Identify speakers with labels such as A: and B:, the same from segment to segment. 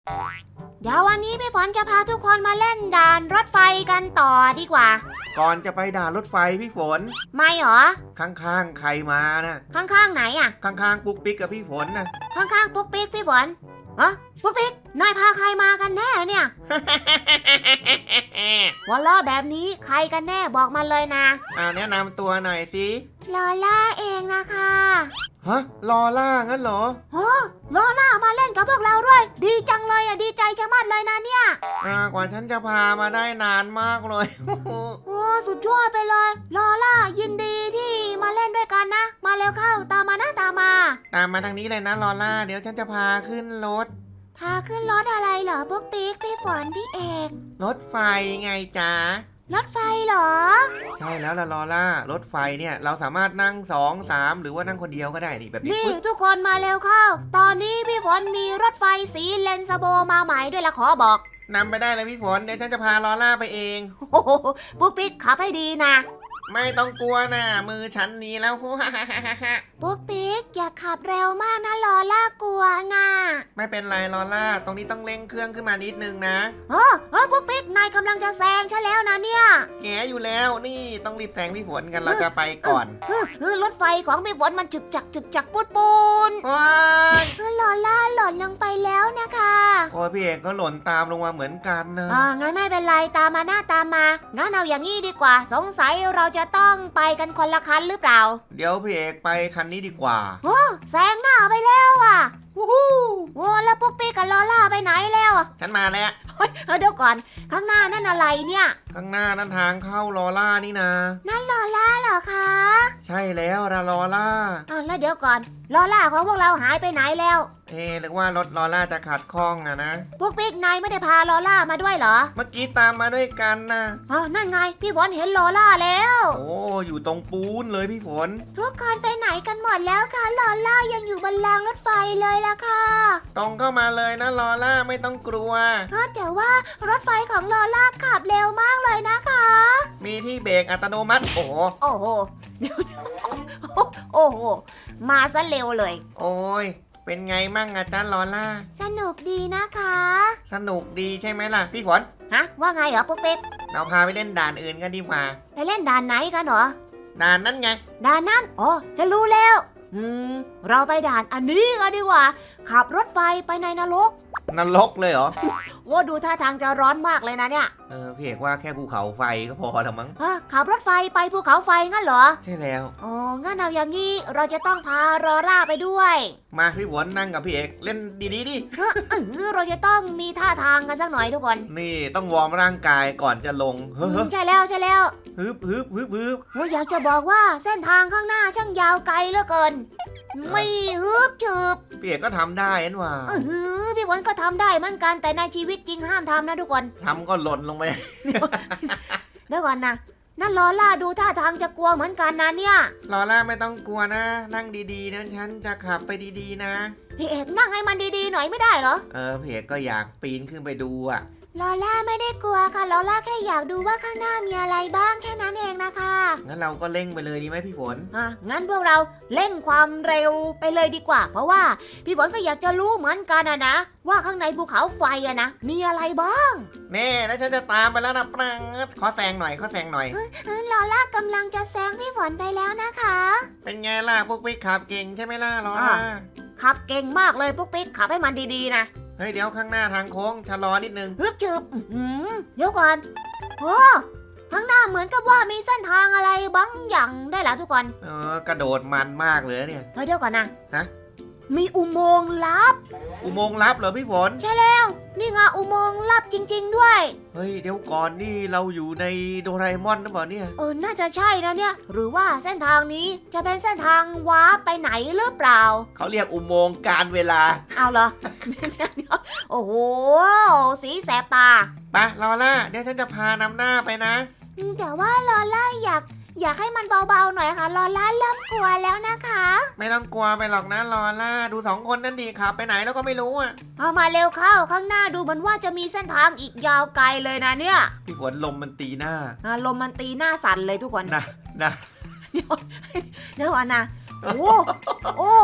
A: เดี๋ยววันนี้พี่ฝนจะพาทุกคนมาเล่นด่านรถไฟกันต่อดีกว่า
B: ก่อนจะไปด่านรถไฟพี่ฝน
A: ไม่หรอ
B: ข้างๆใครมานะ
A: ข้างๆไหนอ่ะ
B: ข้างๆปุ๊กปิ๊กกับพี่ฝนนะ
A: ข้างๆปุ๊กปิ๊กพี่ฝนปุ๊กปิ๊กนายพาใครมากันแน่เนี่ย หัวล้อแบบนี้ใครกันแน่บอกมาเลยนะ
B: แนะนำตัวหน่อยสิ
A: ลอล่าเองนะคะ
B: ฮะลอล่างั้นเหรอ
A: ลอล่ามาเล่นกับพวกเราด้วยดีจังเลยดีใจชะมัดเลยนะเนี่ย
B: กว่าฉันจะพามาได้นานมากเลย
A: โอ้สุดยอดไปเลยลอล่ายินดีที่มาเล่นด้วยกันนะมาเร็วเข้าตามมานะตามมา
B: ทางนี้เลยนะลอล่าเดี๋ยวฉันจะพาขึ้นรถ
A: พาขึ้นรถอะไรเหรอปุ๊กปิ๊กพี่ฝนพี่เอก
B: รถไฟไงจ๊ะ
A: รถไฟเหรอ
B: ใช่แล้วล่ะลอล่ารถไฟเนี่ยเราสามารถนั่ง2 3หรือว่านั่งคนเดียวก็ได้นี่แบบนี้
A: ทุกคนมาเร็วเข้าตอนนี้พี่ฝนมีรถไฟสีเลนสโบมาใหม่ด้วยละขอบอก
B: นำไปได้เลยพี่ฝนเดี๋ยวฉันจะพาลอล่าไปเอง
A: โอ้โหปุ๊กปิ๊กขับให้ดีนะ
B: ไม่ต้องกลัวนะมือฉันนี้แล้ว
A: ปุ๊กปิ๊กอย่าขับเร็วมากนะลอล่ากลัวนะ
B: ไม่เป็นไรลอล่าตรงนี้ต้องเร่งเครื่องขึ้นมานิดนึงนะ
A: ปุ๊กปิ๊กนายกำลังจะแซงฉันแล้วนะเนี่ย
B: แงอยู่แล้วนี่ต้องรีบแซงพี่ฝนกันเราจะไปก่อน
A: รถไฟของพี่ฝนมันจึกจักปูนลอล่าหล่นลงไปแล้วนะคะ
B: โอ้ยพี่เอกก็หล่นตามลงมาเหมือนกันนะ
A: งั้นไม่เป็นไรตามมาหน้าตามมางั้นเอาอย่างนี้ดีกว่าสงสัยเราจะต้องไปกันคนละคันหรือเปล่า
B: เดี๋ยวพี่เอกไปคันนี้ดีกว่า
A: แซงหน้าไปแล้วอ่ะแล้วปุ๊กปิ๊กกับลอล่าไปไหนแล้ว
B: ฉันมาแล้ว
A: เดี๋ยวก่อนข้างหน้านั่นอะไรเนี่ย
B: ข้างหน้านั่นทางเข้าลอล่านี่นะ
A: นั่นลอล่าเหรอคะ
B: ใช่แล้วลอล่า
A: แล้วเดี๋ยวก่อนลอล่าของพวกเราหายไปไหนแล้ว
B: หรือว่ารถลอล่าจะขัดข้องอะนะ
A: ปุ๊กปิ๊กนายไม่ได้พาลอล่ามาด้วยเหรอ
B: เมื่อกี้ตามมาด้วยกันนะ
A: นั่นไงพี่ฝนเห็นลอล่าแล้ว
B: อยู่ตรงปูนเลยพี่ฝน
A: ทุกคนไปไหนกันหมดแล้วคะลอล่ายังอยู่บนรางรถไฟเลยล่ะค่ะ
B: ตรงเข้ามาเลยนะลอล่าไม่ต้องกลัว
A: แต่ว่ารถไฟของลอล่าขับเร็วมากเลยนะคะ
B: มีที่เบรกอัตโนมัติโอ้
A: โหโอ้โหมาซะเร็วเลย
B: โอ้ยเป็นไงมั่งอาจารย์ลอล่า
A: สนุกดีนะคะ
B: สนุกดีใช่ไหมล่ะพี่ฝน
A: ว่าไงเหรอปุ๊กปิ๊ก
B: เราพาไปเล่นด่านอื่นกันดีกว่า
A: ไปเล่นด่านไหนกันเหรอ
B: ด่านนั้นไง
A: ด่านนั้นฉันรู้แล้วเราไปด่านอันนี้กันดีกว่าขับรถไฟไปในนรก
B: เลยเหรอ
A: ดูท่าทางจะร้อนมากเลยนะเนี่ย
B: พี่เอกว่าแค่ภูเขาไฟก็พอแล้วมั้ง
A: ขับรถไฟไปภูเขาไฟงั้นเหรอ
B: ใช่แล้ว
A: งั้นเอาอย่างงี้เราจะต้องพารอร่าไปด้วย
B: มาพี่ฝนนั่งกับพี่เอกเล่นดีดิ
A: เราจะต้องมีท่าทางกันสักหน่อยทุกคน
B: นี่ต้องวอร์มร่างกายก่อนจะลง
A: ใช่แล้ว
B: ฮึบ
A: อยากจะบอกว่าเส้นทางข้างหน้าช่างยาวไกลเหลือเกินไม่ฮึบฉึบ
B: พี่เอกก็ทำได้นะว่า
A: พี่ฝนก็ทำได้เหมือนกันแต่ในชีวิตจริงห้ามทำนะทุกคน
B: ทำก็หล่นลงไป
A: เดี๋ยวก่อนนะนั่นลอล่าดูท่าทางจะกลัวเหมือนกันนะเนี่ย
B: ลอล่าไม่ต้องกลัวนะนั่งดีๆนะฉันจะขับไปดีๆนะ
A: พี่เอกนั่งให้มันดีๆหน่อยไม่ได้เหรอ
B: พี่เอกก็อยากปีนขึ้นไปดูอะ
A: ลอล่าไม่ได้กลัวค่ะลอล่าแค่อยากดูว่าข้างหน้ามีอะไรบ้างแค่นั้นเองนะคะ
B: งั้นเราก็เร่งไปเลยดีไหมพี่ฝน
A: งั้นพวกเราเร่งความเร็วไปเลยดีกว่าเพราะว่าพี่ฝนก็อยากจะรู้เหมือนกันนะว่าข้างในภูเขาไฟนะมีอะไรบ้าง
B: แน่แล้วฉันจะตามไปแล้วนะปรังขอแซงหน่อย
A: ลอล่ากำลังจะแซงพี่ฝนไปแล้วนะคะ
B: เป็นไงล่ะพวกปิ๊กขับเก่งใช่ไหมล่ะลอล่า
A: ขับเก่งมากเลยพวกปิ๊กขับให้มันดีๆนะ
B: เฮ้ยเดี๋ยวข้างหน้าทางโค้งชะลอนิดนึง
A: ฮึบฉึบเดี๋ยวก่อนข้างหน้าเหมือนกับว่ามีเส้นทางอะไรบางอย่างได้แล้วทุกคน
B: กระโดดมันมากเลยเนี่ย
A: เดี๋ยวก่อนนะมีอุโมงค์ลับ
B: เหรอพี่ฝน
A: ใช่แล้วนี่ไงอุโมงค์ลับจริงๆด้วย
B: เฮ้ยเดี๋ยวก่อนนี่เราอยู่ในโดราเอมอนหรือเปล่าเนี่ย
A: น่าจะใช่นะเนี่ยหรือว่าเส้นทางนี้จะเป็นเส้นทางวาร์ปไปไหนหรือเปล่า
B: เขาเรียกอุโมงค์การเวลา
A: เอาเหรอ โอ้โหสีแสบตา
B: ไปลอล่าเดี๋ยวฉันจะพานำหน้าไปนะ
A: แต่ว่าลอล่าอยากให้มันเบาๆหน่อยค่ะลอล่าเริ่มกลัวแล้วนะคะ
B: ไม่ต้องกลัวไปหรอกนะลอล่าดู2 คนนั่นดีขับไปไหนแล้วก็ไม่รู้
A: เอามาเร็วเข้าข้างหน้าดูเหมือนว่าจะมีเส้นทางอีกยาวไกลเลยนะเนี่ย
B: พี่ฝนลมมันตีหน้า
A: ลมมันตีหน้าสั่นเลยทุกคน
B: นะ
A: เดี๋ยวก่อนนะโอ้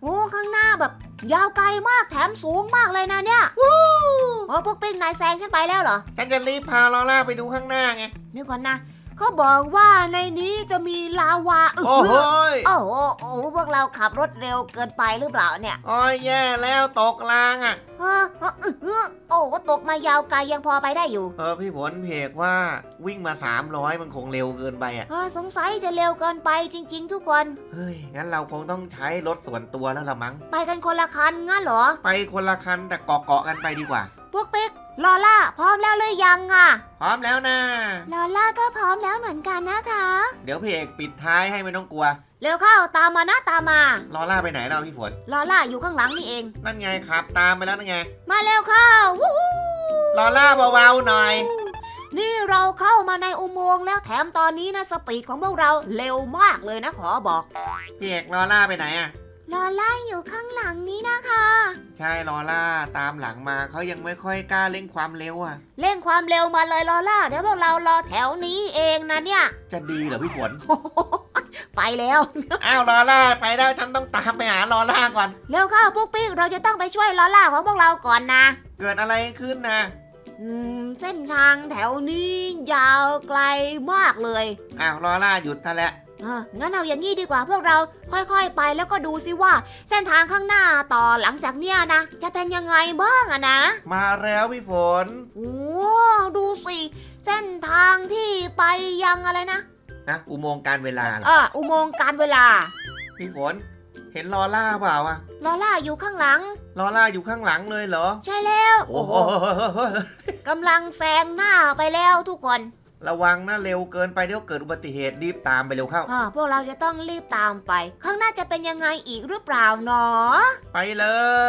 A: โอ้ข้างหน้าแบบยาวไกลมากแถมสูงมากเลยนะเนี่ยโอ้พวกปิ๊กนายแซงฉันไปแล้วเหรอ
B: ฉันจะรีบพาลอล่าไปดูข้างหน้าไง
A: นึกก่อนนะเขาบอกว่าในนี้จะมีลาวา
B: โอ้โหย
A: โอ้โหพวกเราขับรถเร็วเกินไปหรือเปล่าเนี่ย
B: โอ้ยแย่แล้วตกรางอ่ะ
A: โอ้ตกมายาวไกลยังพอไปได้อยู่
B: พี่ฝนเพกว่าวิ่งมา300มันคงเร็วเกินไปอ่ะ
A: สงสัยจะเร็วเกินไปจริงๆทุกคน
B: เฮ้ยงั้นเราคงต้องใช้รถส่วนตัวแล้วละมั้ง
A: ไปกันคนละคันงั้นเหรอ
B: ไปคนละคันแต่เกาะกันไปดีกว่า
A: พวกปิ๊กลอล่าพร้อมแล้วหรือยังอ่ะ
B: พร้อมแล้วนะ
A: ลอล่าก็พร้อมแล้วเหมือนกันนะคะ
B: เดี๋ยวเพกปิดท้ายให้ไม่ต้องกลัว
A: เร็วเข้าตามมานะตามมา
B: ลอล่าไปไหนเราพี่ฝน
A: ลอล่าอยู่ข้างหลังนี่เอง
B: นั่นไงครับตามไปแล้วนั่นไง
A: มาเร็วเข้าวู้ฮู้
B: ลอล่าเบาๆหน่อย
A: นี่เราเข้ามาในอุโมงค์แล้วแถมตอนนี้นะสปีดของพวกเราเร็วมากเลยนะขอบอก
B: พี่เอกลอล่าไปไหนอ่ะ
A: ลอล่าอยู่ข้างหลังนี้นะคะ
B: ใช่ลอล่าตามหลังมาเขายังไม่ค่อยกล้าเร่งความเร็วอ่ะ
A: เร่งความเร็วมาเลยลอล่าเดี๋ยวพวกเรารอแถวนี้เองนะเนี่ย
B: จะดีเหรอพี่ฝน
A: ไปแล้ว
B: อ้าวลอล่าไปแล้วฉันต้องตามไปหาลอล่าก่อน
A: เร็วเข้าปุ๊กปิ๊กเราจะต้องไปช่วยลอล่าของพวกเราก่อนนะ
B: เกิดอะไรขึ้นนะ
A: เส้นทางแถวนี้ยาวไกลมากเลย
B: อ้าวลอล่าหยุดซะแล้ว
A: งั้นเอาอย่างนี้ดีกว่าพวกเราค่อยๆไปแล้วก็ดูซิว่าเส้นทางข้างหน้าต่อหลังจากเนี้ยนะจะเป็นยังไงบ้างอะนะ
B: มาแล้วพี่ฝน
A: โอ้ดูสิเส้นทางที่ไปยังอะไรนะ
B: อุโมงค์การเวลาเหรอ
A: อุโมงค์การเวลา
B: พี่ฝน เห็นลอล่าเปล่าอะ
A: ลอล่าอยู่ข้างหลัง
B: ลอล่าอยู่ข้างหลังเลยเหรอ
A: ใช่แล้ว
B: โอ้โห
A: กำลังแซงหน้าไปแล้วทุกคน
B: ระวังนะเร็วเกินไปเดี๋ยวเกิดอุบัติเหตุรีบตามไปเร็วเข้า
A: พวกเราจะต้องรีบตามไป ข้างหน้าจะเป็นยังไงอีกหรือเปล่าหนอ
B: ไปเลย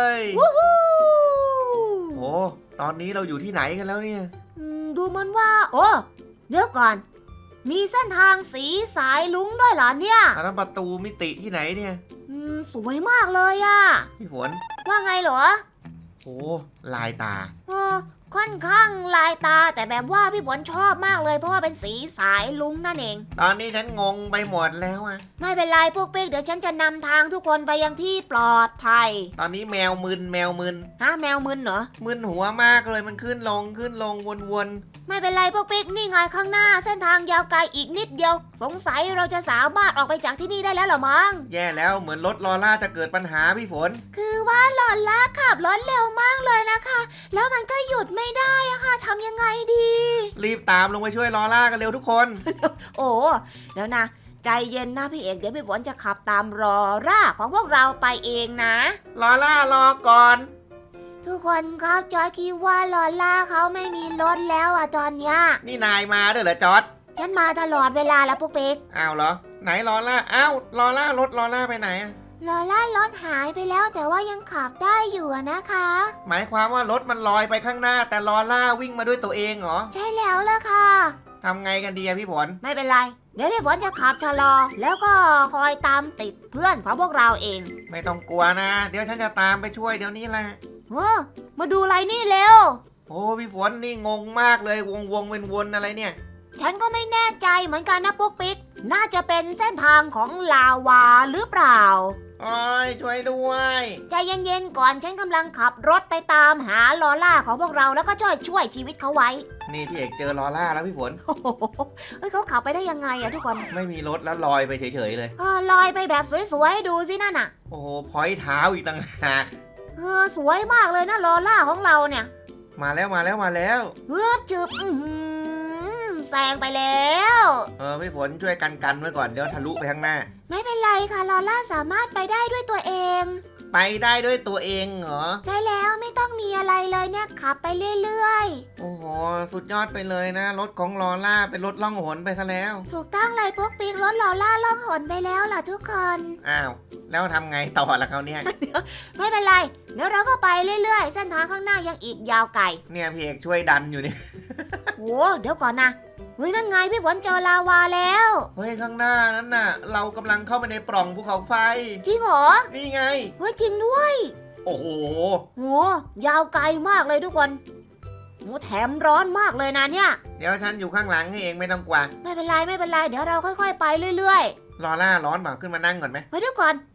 A: วู้ฮู้
B: โอ้ตอนนี้เราอยู่ที่ไหนกันแล้วเนี่ย
A: ดูเหมือนว่า โอ้เดี๋ยวก่อน มีเส้นทางสีสายลุ้งด้วยเหรอเนี่ย
B: อันนั้นประตูมิติที่ไหนเนี่ย
A: สวยมากเลยอะ
B: พี่ฝน
A: ว่าไงเหรอ
B: โอ้ลายตา
A: ค่อนข้างลายตาแต่แบบว่าพี่ฝนชอบมากเลยเพราะว่าเป็นสีสายลุ้งนั่นเอง
B: ตอนนี้ฉันงงไปหมดแล้วอะ
A: ไม่เป็นไรพวกเป๊กเดี๋ยวฉันจะนำทางทุกคนไปยังที่ปลอดภัย
B: ตอนนี้แมวมึนแมวมึน
A: แมวมึนเหรอ
B: มึนหัวมากเลยมันขึ้นลงวน
A: ไม่เป็นไรพวกเป๊กนี่ไงข้างหน้าเส้นทางยาวไกลอีกนิดเดียว สงสัยเราจะสามารถออกไปจากที่นี่ได้แล้วเหรอมั้ง
B: ๆแย่แล้วเหมือนรถลอล่าจะเกิดปัญหาพี่ฝน
A: คือว่าหลอนล่าขับรถเร็วมากเลยนะคะ แล้วมันก็หยุดไม่ได้อะค่ะทำยังไงดี
B: รีบตามลงไปช่วยลอล่ากันเร็วทุกคน
A: โอ้เดี๋ยวนะ ใจเย็นนะพี่เอกเดี๋ยวพี่ฝนจะขับตามรอร่าของพวกเราไปเองนะ
B: ลอล่ารอก่อน
A: ทุกคนครับจอยคิดว่าลอล่าเขาไม่มีรถแล้วอะตอนเนี้ย
B: นี่นายมาด้วยเหรอจอร์ด
A: ฉันมาตลอดเวลาแล้วพวกเป๊ก
B: อ้าวเหรอ ไหนลอล่าอ้าวลอล่ารถลอล่าไปไหนอะ
A: ลอล่ารถหายไปแล้วแต่ว่ายังขับได้อยู่อะนะคะ
B: หมายความว่ารถมันลอยไปข้างหน้า แต่ลอล่าวิ่งมาด้วยตัวเองเหรอ
A: ใช่แล้วล่ะค่ะ
B: ทำไงกันดีอะพี่ฝน
A: ไม่เป็นไร เดี๋ยวพี่ฝนจะขับชะลอ แล้วก็คอยตามติดเพื่อนของพวกเราเอง
B: ไม่ต้องกลัวนะ เดี๋ยวฉันจะตามไปช่วยเดี๋ยวนี้แหละ
A: มาดูอะไรนี่เร็ว
B: โอ้พี่ฝนนี่งงมากเลยวงวนอะไรเนี่ย
A: ฉันก็ไม่แน่ใจเหมือนกันนะปุ๊กปิ๊ก น่าจะเป็นเส้นทางของลาวาหรือเปล่า
B: โอ้ยช่วยด้วย
A: ใจเย็นๆก่อนฉันกำลังขับรถไปตามหาลอล่าของพวกเราแล้วก็ช่วยชีวิตเขาไว้
B: นี่พี่เอกเจอลอล่าแล้วพี่ฝน
A: โอ้โหเฮ้ยเขาขับไปได้ยังไงอะทุกคน
B: ไม่มีรถแล้วลอยไปเฉยๆเลย
A: ลอยไปแบบสวยๆดูสินั่นน่ะ
B: โอ้โหพอยเท้าอีกต่างหาก
A: สวยมากเลยนะลอล่าของเราเนี่ย
B: มาแล้ว
A: จืบแซงไปแล้ว
B: พี่ฝนช่วยกันไว้ก่อนเดี๋ยวทะลุไปข้างหน้า
A: ไม่เป็นไรค่ะลอล่าสามารถไปได้ด้วยตัวเอง
B: ไปได้ด้วยตัวเองเหรอ
A: ใช่แล้วไม่ต้องมีอะไรเลยเนี่ยขับไปเรื่อย
B: โอ้โหสุดยอดไปเลยนะ รถของลอล่าเป็นรถล่องหนไปซะแล้ว
A: ๆถูกต้องเลยพวกปิงรถลอล่าล่องหนไปแล้วล่ะทุกคน
B: อ้าวแล้วทำไงต่อละเขาเนี่ย
A: ไม่เป็นไรเดี๋ยวเราก็ไปเรื่อยๆเส้นทางข้างหน้ายังอีกยาวไกล
B: เนี่ยพี่เอกช่วยดันอยู่เนี่ย
A: โอ้เดี๋ยวก่อนนะเฮ้ยนั่นไงพี่ฝนเจอลาวาแล้ว
B: เฮ้ยข้างหน้านั้นน่ะ เรากำลังเข้าไปในปล่องภูเขาไฟ
A: จริงเหรอ
B: นี่ไง
A: เฮ้ยจริงด้วย
B: โอ้โห
A: โหยาวไกลมากเลยทุกคนโหแถมร้อนมากเลยนะเนี่ย
B: เดี๋ยวฉันอยู่ข้างหลังให้เองไม่ต้องกลัว
A: ไม่เป็นไรเดี๋ยวเราค่อยๆไปเรื่อย
B: ลอล่าร้อนเปล่าขึ้นมานั่งก่อนไหม
A: ๆเฮ้ยเดี๋ยวก่อน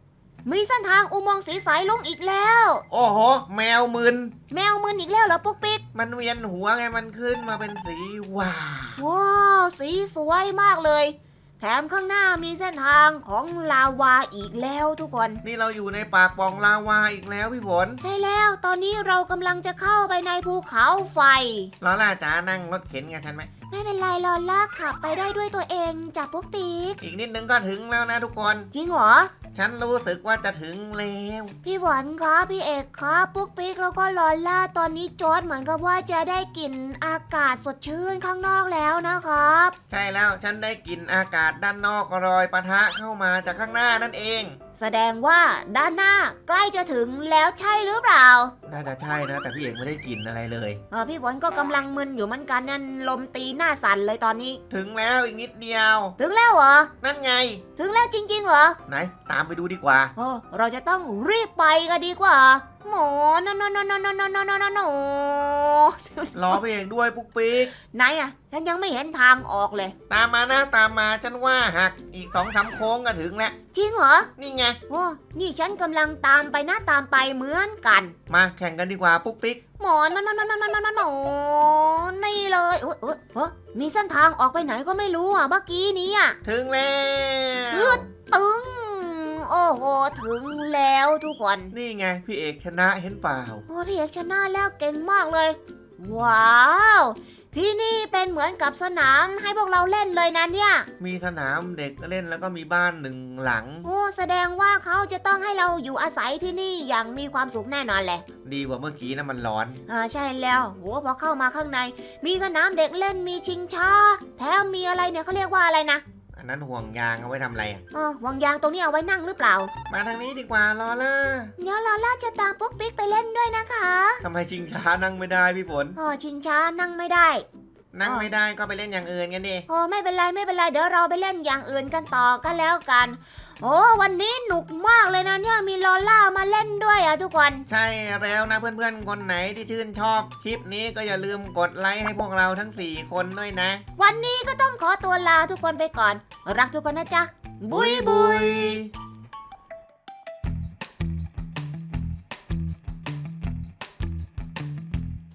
A: มีเส้นทางอุโมงค์สีสายลุงอีกแล้ว
B: โอ้โห แมวมึน
A: แมวมึนอีกแล้วเหรอปุ๊กปิ๊ก
B: มันเวียนหัวไงมันขึ้นมาเป็นสีว้า
A: ว้าวสีสวยมากเลย แถมข้างหน้ามีเส้นทางของลาวาอีกแล้วทุกคน
B: นี่เราอยู่ในปากปล่องลาวาอีกแล้วพี่ฝน
A: ใช่แล้วตอนนี้เรากำลังจะเข้าไปในภูเขาไฟ
B: ลอล่าจ๋านั่งรถเข็นกับฉันไหม
A: ไม่เป็นไรลอล่าขับไปได้ด้วยตัวเองจ้ะปุ๊กปิ๊ก
B: อีกนิดนึงก็ถึงแล้วนะทุกคน
A: จริงเหรอ
B: ฉันรู้สึกว่าจะถึงแล้ว
A: พี่หวานคะพี่เอกคะปุ๊กปิ๊กแล้วก็ลอล่าตอนนี้จอร์ดเหมือนกับว่าจะได้กลิ่นอากาศสดชื่นข้างนอกแล้วนะครับ
B: ใช่แล้วฉันได้กลิ่นอากาศด้านนอกรอยปะทะเข้ามาจากข้างหน้านั่นเอง
A: แสดงว่าด้านหน้าใกล้จะถึงแล้วใช่หรือเปล่า
B: น่าจะใช่นะ แต่พี่เอกไม่ได้กลิ่นอะไรเลย
A: พี่ฝนก็กำลังมึนอยู่เหมือนกันนั่นลมตีหน้าสั่นเลยตอนนี้
B: ถึงแล้วอีกนิดเดียว
A: ถึงแล้วเหรอ
B: นั่นไง
A: ถึงแล้วจริงๆเหรอ
B: ไหนตามไปดูดีกว่า
A: โอ้เราจะต้องรีบไปกันดีกว่าหมอนน
B: รอพี่เอกด้วยปุ๊กปิ๊ก
A: ไหนอะฉันยังไม่เห็นทางออกเลย
B: ตามมานะตามมาฉันว่าหักอีก2-3โค้งก็ถึงแล้ว
A: จริงเหรอ
B: นี่ไง
A: โอ้นี่ฉันกำลังตามไปนะตามไปเหมือนกัน
B: มาแข่งกันดีกว่าปุ๊กปิ๊ก
A: หมอนนี่เลยมีเส้นทางออกไปไหนก็ไม่รู้อ่ะเมื่อกี้นี้อ่ะ
B: ถึงแล้ว
A: ตึงโอ้โหถึงแล้วทุกคน
B: นี่ไงพี่เอกชนะเห็นเปล่า
A: โอ้พี่เอกชนะแล้วเก่งมากเลย ว้าวที่นี่เป็นเหมือนกับสนามให้พวกเราเล่นเลยนะเนี่ย
B: มีสนามเด็กเล่นแล้วก็มีบ้านหนึ่งหลัง
A: โอ้แสดงว่าเขาจะต้องให้เราอยู่อาศัยที่นี่อย่างมีความสุขแน่นอนแหละ
B: ดีกว่าเมื่อกี้นะมันร้อน
A: ใช่แล้วโหพอเข้ามาข้างใน มีสนามเด็กเล่นมีชิงช้าแถมมีอะไรเนี่ยเขาเรียกว่าอะไรนะ
B: อันนั้นห่วงยางเอาไว้ทำอะไรอ่ะ
A: วางยางตรงนี้เอาไว้นั่งหรือเปล่า
B: มาทางนี้ดีกว่าลอล่า
A: เดี๋ยวลอล่าจะตามปุ๊กปิ๊กไปเล่นด้วยนะคะ
B: ทำไมชิงช้านั่งไม่ได้พี่ฝน
A: ชิงช้านั่งไม่ได้
B: นั่งไม่ได้ก็ไปเล่นอย่างอื่นกันดิ
A: ไม่เป็นไรไม่เป็นไรเดี๋ยวเราไปเล่นอย่างอื่นกันต่อกันแล้วกัน โอ้วันนี้หนุกมากเลยนะเนี่ยมีลอล่ามาเล่นด้วยอ่ะทุกคน
B: ใช่แล้วนะเพื่อนๆคนไหนที่ชื่นชอบคลิปนี้ก็อย่าลืมกดไลค์ให้พวกเราทั้ง4คนด้วยนะ
A: วันนี้ก็ต้องขอตัวลาทุกคนไปก่อน รักทุกคนนะจ๊ะ บุยบุย